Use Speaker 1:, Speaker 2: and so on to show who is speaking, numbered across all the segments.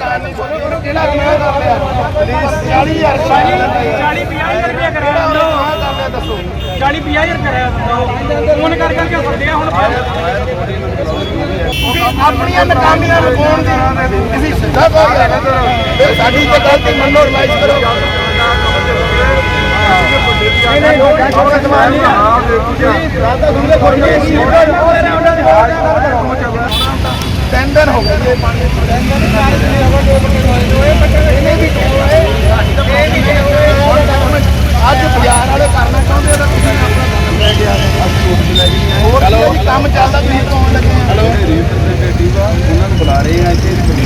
Speaker 1: ਆਪਣੀਆਂ ਨਕਾਮੀਆਂ ਨੂੰ ਪਾਉਣ ਦੀ ਕਿਸੇ ਸਿੱਧਾ ਕੋਈ ਸਾਡੀ ਤੇ ਗਲਤੀ ਮੰਨੋ ਰਿਵਾਈਜ਼ ਕਰੋ। ਤਿੰਨ ਦਿਨ ਹੋ ਗਏ ਅੱਜ ਬਾਜ਼ਾਰ ਵਾਲੇ ਕਰਨਾ ਚਾਹੁੰਦੇ ਤਾਂ ਤੁਸੀਂ ਕੰਮ ਚੱਲਦਾ ਤੁਸੀਂ ਕੌਣ ਲੱਗੇ ਉਹਨਾਂ ਨੂੰ ਬੁਲਾ ਰਹੇ ਆ ਇੱਥੇ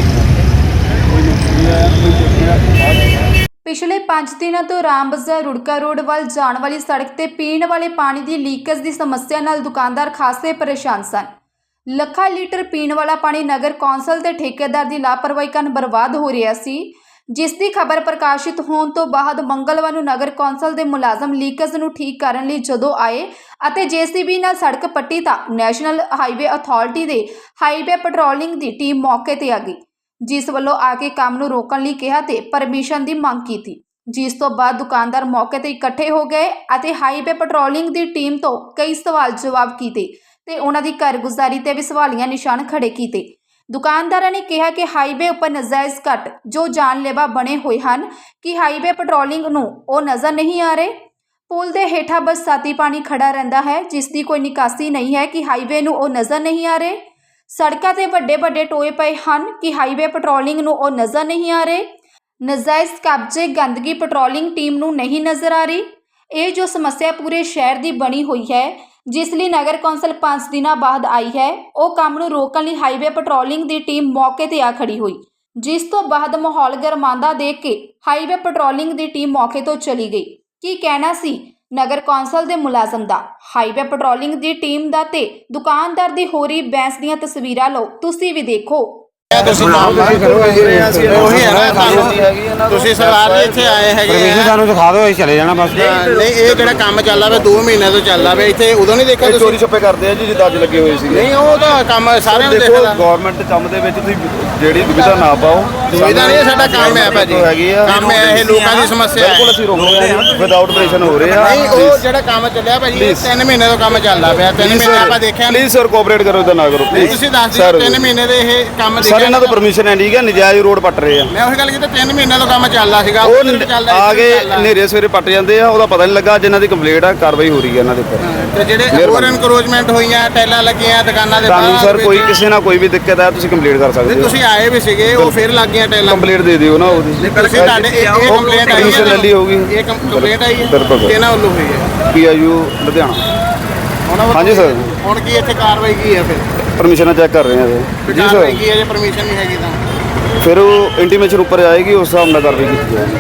Speaker 2: ਪਿਛਲੇ 5 ਦਿਨਾਂ ਤੋਂ ਰਾਮ ਬਾਜ਼ਾਰ ਰੁੜਕਾ ਰੋਡ ਵੱਲ ਜਾਣ ਵਾਲੀ ਸੜਕ ਤੇ ਪੀਣ ਵਾਲੇ ਪਾਣੀ ਦੀ ਲੀਕੇਜ ਦੀ ਸਮੱਸਿਆ ਨਾਲ ਦੁਕਾਨਦਾਰ ਖਾਸੇ ਪਰੇਸ਼ਾਨ ਸਨ। ਲੱਖਾਂ ਲੀਟਰ ਪੀਣ ਵਾਲਾ ਪਾਣੀ ਨਗਰ ਕੌਂਸਲ ਤੇ ਠੇਕੇਦਾਰ ਦੀ ਲਾਪਰਵਾਹੀ ਕਾਰਨ ਬਰਬਾਦ ਹੋ ਰਿਹਾ ਸੀ, ਜਿਸ ਦੀ ਖਬਰ ਪ੍ਰਕਾਸ਼ਿਤ ਹੋਣ ਤੋਂ ਬਾਅਦ ਮੰਗਲਵਾਰ ਨੂੰ ਨਗਰ ਕੌਂਸਲ ਦੇ ਮੁਲਾਜ਼ਮ ਲੀਕੇਜ ਨੂੰ ਠੀਕ ਕਰਨ ਲਈ ਜਦੋਂ ਆਏ ਅਤੇ JCB ਨਾਲ ਸੜਕ ਪੱਟੀ ਤਾਂ ਨੈਸ਼ਨਲ ਹਾਈਵੇ ਅਥਾਰਟੀ ਦੇ ਹਾਈਵੇ ਪੈਟਰੋਲਿੰਗ ਦੀ ਟੀਮ ਮੌਕੇ ਤੇ ਆ ਗਈ, ਜਿਸ ਵੱਲੋਂ ਆ ਕੇ ਕੰਮ ਨੂੰ ਰੋਕਣ ਲਈ ਕਿਹਾ ਤੇ ਪਰਮਿਸ਼ਨ ਦੀ ਮੰਗ ਕੀਤੀ, ਜਿਸ ਤੋਂ ਬਾਅਦ ਦੁਕਾਨਦਾਰ ਮੌਕੇ ਤੇ ਇਕੱਠੇ ਹੋ ਗਏ ਅਤੇ ਹਾਈਵੇ ਪੈਟਰੋਲਿੰਗ ਦੀ ਟੀਮ ਤੋਂ ਕਈ ਸਵਾਲ ਜਵਾਬ ਕੀਤੇ ਤੇ ਉਹਨਾਂ ਦੀ ਕਾਰਗੁਜ਼ਾਰੀ ਤੇ ਵੀ ਸਵਾਲੀਆ ਨਿਸ਼ਾਨ ਖੜੇ ਕੀਤੇ। ਦੁਕਾਨਦਾਰਾਂ ਨੇ ਕਿਹਾ ਕਿ ਹਾਈਵੇ ਉੱਪਰ ਨਜਾਇਜ਼ ਕੱਟ ਜੋ ਜਾਨਲੇਵਾ ਬਣੇ ਹੋਏ ਹਨ ਕਿ ਹਾਈਵੇ ਪੈਟਰੋਲਿੰਗ ਨੂੰ ਉਹ ਨਜ਼ਰ ਨਹੀਂ ਆ ਰਹੇ। ਪੁਲ ਦੇ ਹੇਠਾਂ ਬਰਸਾਤੀ ਪਾਣੀ ਖੜਾ ਰਹਿੰਦਾ ਹੈ, ਜਿਸ ਦੀ ਕੋਈ ਨਿਕਾਸੀ ਨਹੀਂ ਹੈ ਕਿ ਹਾਈਵੇ ਨੂੰ ਉਹ ਨਜ਼ਰ ਨਹੀਂ ਆ ਰਹੇ। ਸੜਕਾਂ ਤੇ ਵੱਡੇ ਵੱਡੇ ਟੋਏ ਪਏ ਹਨ ਕਿ ਹਾਈਵੇ ਪੈਟਰੋਲਿੰਗ ਨੂੰ ਉਹ ਨਜ਼ਰ ਨਹੀਂ ਆ ਰਹੇ। ਨਜਾਇਜ਼ ਕਬਜ਼ੇ ਗੰਦਗੀ ਪੈਟਰੋਲਿੰਗ ਟੀਮ ਨੂੰ ਨਹੀਂ ਨਜ਼ਰ ਆ ਰਹੀ। ਇਹ ਜੋ ਸਮੱਸਿਆ ਪੂਰੇ ਸ਼ਹਿਰ ਦੀ ਬਣੀ ਹੋਈ ਹੈ, ਜਿਸ ਲਈ ਨਗਰ ਕੌਂਸਲ 5 ਦਿਨਾਂ ਬਾਅਦ ਆਈ ਹੈ, ਉਹ ਕੰਮ ਨੂੰ ਰੋਕਣ ਲਈ ਹਾਈਵੇ ਪੈਟਰੋਲਿੰਗ ਦੀ ਟੀਮ ਮੌਕੇ ਤੇ ਆ ਖੜੀ ਹੋਈ, ਜਿਸ ਤੋਂ ਬਾਅਦ ਮਾਹੌਲ ਗਰਮਾਂਦਾ ਦੇਖ ਕੇ ਹਾਈਵੇ ਪੈਟਰੋਲਿੰਗ ਦੀ ਟੀਮ ਮੌਕੇ ਤੋਂ ਚਲੀ ਗਈ। ਕੀ ਕਹਿਣਾ ਸੀ ਨਗਰ ਕੌਂਸਲ ਦੇ ਮੁਲਾਜ਼ਮ ਦਾ, ਹਾਈਵੇ ਪੈਟਰੋਲਿੰਗ ਦੀ ਟੀਮ ਦਾ ਤੇ ਦੁਕਾਨਦਾਰ ਦੀ ਹੋ ਰਹੀ ਬਹਿਸ ਦੀਆਂ ਤਸਵੀਰਾਂ ਲਓ, ਤੁਸੀਂ ਵੀ ਦੇਖੋ।
Speaker 3: ਤੁਸੀਂ ਸਰਦਾਰ ਜੀ ਇੱਥੇ ਆਏ ਹੈਗੇ
Speaker 4: ਪਰਮਿਸ਼ਨ ਸਾਨੂੰ ਦਿਖਾ ਦਿਓ, ਅਸੀਂ ਚਲੇ ਜਾਣਾ ਬਸ।
Speaker 3: ਨਹੀਂ ਇਹ ਜਿਹੜਾ ਕੰਮ ਚੱਲਦਾ ਵੇ 2 ਮਹੀਨੇ ਤੋਂ ਚੱਲਦਾ ਵੇ ਇੱਥੇ, ਉਦੋਂ ਨਹੀਂ ਦੇਖਿਆ
Speaker 1: ਚੋਰੀ ਛੱਪੇ ਕਰਦੇ ਆ ਜੀ ਜਿੱਦਾਂ ਅੱਜ ਲੱਗੇ ਹੋਏ ਸੀ।
Speaker 3: ਨਹੀਂ ਉਹ ਤਾਂ ਕੰਮ ਸਾਰਿਆਂ ਨੂੰ ਦੇਖਦਾ।
Speaker 1: ਗਵਰਨਮੈਂਟ ਕੰਮ ਦੇ ਵਿੱਚ ਤੁਸੀਂ ਜਿਹੜੀ ਦੁਵਿਧਾ ਨਾ ਪਾਓ।
Speaker 3: ਦੁਵਿਧਾ ਨਹੀਂ, ਸਾਡਾ ਕੰਮ ਹੈ ਭਾਜੀ, ਕੰਮ ਹੈ ਇਹ, ਲੋਕਾਂ ਦੀ ਸਮੱਸਿਆ ਹੈ।
Speaker 1: ਬਿਲਕੁਲ ਅਸੀਂ ਰੋਕ ਰਹੇ ਹਾਂ, ਵਿਦਆਊਟ ਆਪਰੇਸ਼ਨ ਹੋ ਰਹੇ ਆ।
Speaker 3: ਨਹੀਂ ਉਹ ਜਿਹੜਾ ਕੰਮ ਚੱਲਿਆ ਭਾਜੀ 3 ਮਹੀਨੇ ਤੋਂ ਕੰਮ ਚੱਲਦਾ ਪਿਆ, 3 ਮਹੀਨੇ ਆਪਾਂ ਦੇਖਿਆ ਨਹੀਂ।
Speaker 1: ਪਲੀਜ਼ ਸਰ ਕੋਆਪਰੇਟ ਕਰੋ, ਇਦਾਂ ਨਾ ਕਰੋ ਪਲੀਜ਼।
Speaker 3: ਤੁਸੀਂ ਦੱਸ ਦਿਓ 3 ਮਹੀਨੇ ਦੇ ਇਹ ਕੰਮ
Speaker 1: ਸਰ ਇਹਨਾਂ ਤੋਂ ਪਰਮਿਸ਼ਨ ਹੈ, ਠੀਕ ਹੈ, ਨਜਾਇਜ਼ ਰੋਡ ਪੱਟ ਰਹੇ ਆ।
Speaker 3: ਮੈਂ ਉਹੀ ਗੱਲ ਕੀਤੀ, 3 ਮਹੀਨੇ ਤੋਂ ਕੰਮ ਚੱਲਦਾ ਸੀਗਾ,
Speaker 1: ਉਹ ਆ ਕੇ ਹਨੇਰੇ ਸਵੇਰੇ ਪੱਟ ਜਾਂਦੇ ਆ, ਉਹਦਾ ਪਤਾ ਨਹੀਂ ਲੱਗਾ। ਜਿਨ੍ਹਾਂ ਦੀ ਕੰਪਲੇਂਟ ਆ, ਕਾਰਵਾਈ ਹੋ ਰਹੀ ਹੈ ਇਹਨਾਂ ਦੇ ਉੱਪਰ।
Speaker 3: ਤੇ ਜਿਹੜੇ ਹੋਰ ਇਨਕਰੋਚਮੈਂਟ ਹੋਈਆਂ, ਟੈਲਾਂ ਲੱਗੀਆਂ ਦੁਕਾਨਾਂ ਦੇ
Speaker 1: ਤੁਹਾਨੂੰ ਸਰ ਕੋਈ ਕਿਸੇ ਨਾਲ ਕੋਈ ਵੀ ਦਿੱਕਤ ਆ, ਤੁਸੀਂ ਕੰਪਲੇਂਟ ਕਰ ਸਕਦੇ ਹੋ।
Speaker 3: ਤੁਸੀਂ ਆਏ ਵੀ ਸੀਗੇ, ਉਹ ਫਿਰ ਲੱਗ ਗਈਆਂ ਟੈਲਾਂ।
Speaker 1: ਕੰਪਲੇਂਟ ਦੇ ਦਿਓ ਨਾ ਉਹਦੀ।
Speaker 3: ਤੁਸੀਂ ਤੁਹਾਡੇ ਇਹ ਕੰਪਲੇਂਟ ਆਈ ਹੈ,
Speaker 1: ਲੈ ਲਈ ਹੋਊਗੀ।
Speaker 3: ਇਹ ਕੰਪਲੇਂਟ ਆਈ ਹੈ ਕਿਹਨਾਂ ਵੱਲੋਂ ਹੋਈ ਹੈ?
Speaker 1: PIU ਲੁਧਿਆਣਾ। ਹਾਂਜੀ ਸਰ।
Speaker 3: ਹੁਣ ਕੀ ਇੱਥੇ ਕਾਰਵਾਈ ਕੀ ਹੈ ਫਿਰ?
Speaker 1: ਪਰਮਿਸ਼ਨਾਂ ਚੈੱਕ ਕਰ ਰਹੇ ਆ
Speaker 3: ਜੀ ਸਰ। ਕੀ ਹੈ ਜੇ ਪਰਮਿਸ਼ਨ ਨਹੀਂ ਹੈਗੀ ਤਾਂ
Speaker 1: ਫਿਰ ਉਹ ਇੰਟੀਮੇਸ਼ਨ ਉੱਪਰ ਆਏਗੀ, ਉਸ ਹਿਸਾਬ ਨਾਲ ਕਾਰਵਾਈ ਕੀਤੀ ਜਾਏਗੀ।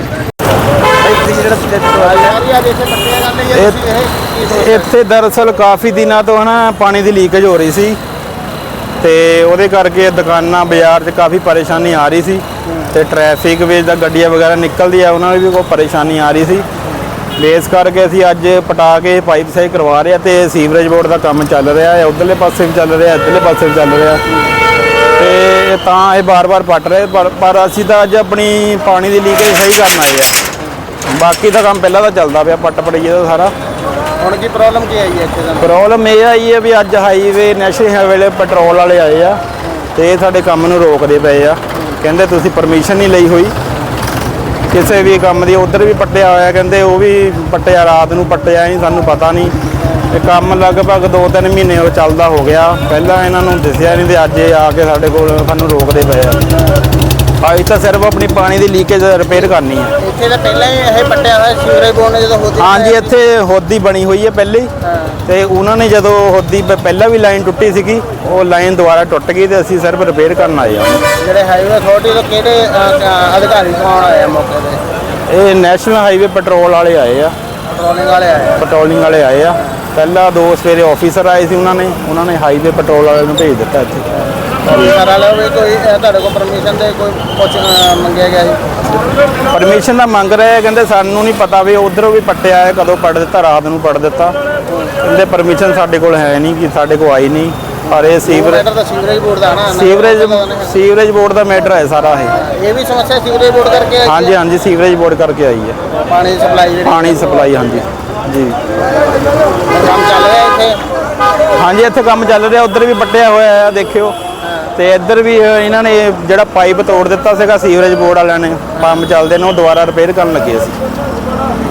Speaker 4: ਇੱਥੇ ਦਰਅਸਲ ਕਾਫੀ ਦਿਨਾਂ ਤੋਂ ਹਨਾ ਪਾਣੀ ਦੀ ਲੀਕੇਜ ਹੋ ਰਹੀ ਸੀ ਤੇ ਉਹਦੇ ਕਰਕੇ ਦੁਕਾਨਾਂ ਬਾਜ਼ਾਰ 'ਚ ਕਾਫੀ ਪਰੇਸ਼ਾਨੀ ਆ ਰਹੀ ਸੀ ਤੇ ਟ੍ਰੈਫਿਕ ਵਿੱਚ ਦਾ ਗੱਡੀਆਂ ਵਗੈਰਾ ਨਿਕਲਦੀ ਆ, ਉਹਨਾਂ ਨੂੰ ਵੀ ਕੋਈ ਪਰੇਸ਼ਾਨੀ ਆ ਰਹੀ ਸੀ। ਇਸ ਕਰਕੇ ਅਸੀਂ ਅੱਜ ਪਟਾ ਕੇ ਪਾਈਪ ਸਹੀ ਕਰਵਾ ਰਹੇ ਆ ਤੇ ਸੀਵਰੇਜ ਬੋਰਡ ਦਾ ਕੰਮ ਚੱਲ ਰਿਹਾ ਹੈ, ਉਧਰਲੇ ਪਾਸੇ ਵੀ ਚੱਲ ਰਿਹਾ, ਇੱਧਰਲੇ ਪਾਸੇ ਵੀ ਚੱਲ ਰਿਹਾ ਤੇ ਤਾਂ ਇਹ ਬਾਰ-ਬਾਰ ਪੱਟ ਰਹੇ। ਪਰ ਅਸੀਂ ਤਾਂ ਅੱਜ ਆਪਣੀ ਪਾਣੀ ਦੀ ਲੀਕੇਜ ਸਹੀ ਕਰਨ ਆਏ ਆ, ਬਾਕੀ ਦਾ ਕੰਮ ਪਹਿਲਾਂ ਤਾਂ ਚੱਲਦਾ ਪਿਆ ਪੱਟ ਪੜਈਏ ਦਾ ਸਾਰਾ।
Speaker 3: ਹੁਣ ਕੀ ਪ੍ਰੋਬਲਮ ਕੀ ਆਈ ਹੈ ਇੱਥੇ ਦਾ?
Speaker 4: ਪ੍ਰੋਬਲਮ ਇਹ ਆਈ ਹੈ ਵੀ ਅੱਜ ਹਾਈਵੇ ਨੈਸ਼ਨਲ ਹਾਈਵੇ ਪੈਟਰੋਲ ਵਾਲੇ ਆਏ ਆ ਤੇ ਇਹ ਸਾਡੇ ਕੰਮ ਨੂੰ ਰੋਕਦੇ ਪਏ ਆ, ਕਹਿੰਦੇ ਤੁਸੀਂ ਪਰਮਿਸ਼ਨ ਨਹੀਂ ਲਈ ਹੋਈ ਕਿਸੇ ਵੀ ਕੰਮ ਦੀ। ਉਧਰ ਵੀ ਪੱਟਿਆ ਹੋਇਆ, ਕਹਿੰਦੇ ਉਹ ਵੀ ਪੱਟਿਆ, ਰਾਤ ਨੂੰ ਪੱਟਿਆ ਨਹੀਂ, ਸਾਨੂੰ ਪਤਾ ਨਹੀਂ। ਇਹ ਕੰਮ ਲਗਭਗ 2-3 ਮਹੀਨੇ ਉਹ ਚੱਲਦਾ ਹੋ ਗਿਆ, ਪਹਿਲਾਂ ਇਹਨਾਂ ਨੂੰ ਦਿਸਿਆ ਨਹੀਂ ਤੇ ਅੱਜ ਇਹ ਆ ਕੇ ਸਾਡੇ ਕੋਲ ਸਾਨੂੰ ਰੋਕਦੇ ਪਏ ਆ। ਅਸੀਂ ਤਾਂ ਸਿਰਫ ਆਪਣੀ ਪਾਣੀ ਦੀ ਲੀਕੇਜ ਰਿਪੇਅਰ ਕਰਨੀ ਹੈ।
Speaker 3: ਇੱਥੇ ਤਾਂ ਪਹਿਲਾਂ ਹੀ ਇਹ ਪੱਟਿਆ ਹੋਇਆ ਸੀਵਰੇਜ ਬੋਰਡ ਨੇ ਜਦੋਂ ਹੋਦੀ।
Speaker 4: ਹਾਂਜੀ ਇੱਥੇ ਹੋਦੀ ਬਣੀ ਹੋਈ ਹੈ ਪਹਿਲੇ ਹੀ, ਤੇ ਉਹਨਾਂ ਨੇ ਜਦੋਂ ਹੋਦੀ ਪਹਿਲਾਂ ਵੀ ਲਾਈਨ ਟੁੱਟੀ ਸੀਗੀ, ਉਹ ਲਾਈਨ ਦੁਬਾਰਾ ਟੁੱਟ ਗਈ ਤੇ ਅਸੀਂ ਸਿਰਫ ਰਿਪੇਅਰ ਕਰਨ ਆਏ ਹਾਂ।
Speaker 3: ਜਿਹੜੇ ਹਾਈਵੇ ਅਥਾਰਟੀ ਤੋਂ ਕਿਹੜੇ ਅਧਿਕਾਰੀ ਕੌਣ ਆਏ ਆ ਮੌਕੇ ਤੇ?
Speaker 4: ਇਹ ਨੈਸ਼ਨਲ ਹਾਈਵੇ ਪੈਟਰੋਲ ਵਾਲੇ ਆਏ ਆ, ਪੈਟਰੋਲਿੰਗ ਵਾਲੇ ਆਏ ਆ। ਪਹਿਲਾਂ 2 ਸਵੇਰੇ ਆਫੀਸਰ ਆਏ ਸੀ, ਉਹਨਾਂ ਨੇ ਹਾਈਵੇ ਪੈਟਰੋਲ ਵਾਲੇ ਨੂੰ ਭੇਜ ਦਿੱਤਾ ਇੱਥੇ।
Speaker 3: ਕੋਈ ਤੁਹਾਡੇ ਕੋਲ ਪਰਮਿਸ਼ਨ ਦੇ ਕੋਈ ਕੁਛ ਮੰਗਿਆ ਗਿਆ ਸੀ?
Speaker 4: ਪਰਮਿਸ਼ਨ ਦਾ ਮੰਗ ਰਹੇ, ਕਹਿੰਦੇ ਸਾਨੂੰ ਨਹੀਂ ਪਤਾ ਵੀ ਉਧਰੋਂ ਵੀ ਪੱਟਿਆ ਹੈ, ਕਦੋਂ ਪੱਟ ਦਿੱਤਾ, ਰਾਤ ਨੂੰ ਪੱਟ ਦਿੱਤਾ। ਕਹਿੰਦੇ ਪਰਮਿਸ਼ਨ ਸਾਡੇ ਕੋਲ ਹੈ ਨਹੀਂ, ਕਿ ਸਾਡੇ ਕੋਲ ਆਈ ਨਹੀਂ। ਪਰ ਇਹ ਸੀਵਰੇਜ
Speaker 3: ਮੈਟਰ ਤਾਂ ਸੀਵਰੇਜ ਬੋਰਡ ਦਾ ਨਾ
Speaker 4: ਸੀਵਰੇਜ ਬੋਰਡ ਦਾ ਮੈਟਰ ਹੈ ਸਾਰਾ
Speaker 3: ਇਹ ਵੀ ਸਮੱਸਿਆ ਸੀਵਰੇਜ ਬੋਰਡ ਕਰਕੇ ਆਈ ਹੈ?
Speaker 4: ਹਾਂਜੀ ਹਾਂਜੀ ਸੀਵਰੇਜ ਬੋਰਡ ਕਰਕੇ ਆਈ ਹੈ
Speaker 3: ਪਾਣੀ ਦੀ ਸਪਲਾਈ ਜਿਹੜੀ
Speaker 4: ਪਾਣੀ ਸਪਲਾਈ ਹਾਂਜੀ ਜੀ
Speaker 3: ਕੰਮ ਚੱਲ ਰਿਹਾ ਇੱਥੇ?
Speaker 4: ਹਾਂਜੀ ਇੱਥੇ ਕੰਮ ਚੱਲ ਰਿਹਾ ਉੱਧਰ ਵੀ ਪੱਟਿਆ ਹੋਇਆ ਆ ਦੇਖਿਓ ਤੇ ਇੱਧਰ ਵੀ ਇਹਨਾਂ ਨੇ ਜਿਹੜਾ ਪਾਈਪ ਤੋੜ ਦਿੱਤਾ ਸੀਗਾ ਸੀਵਰੇਜ ਬੋਰਡ ਵਾਲਿਆਂ ਨੇ ਪੰਪ ਚੱਲਦੇ ਨੇ ਉਹ ਦੁਬਾਰਾ ਰਿਪੇਅਰ ਕਰਨ ਲੱਗੇ ਸੀ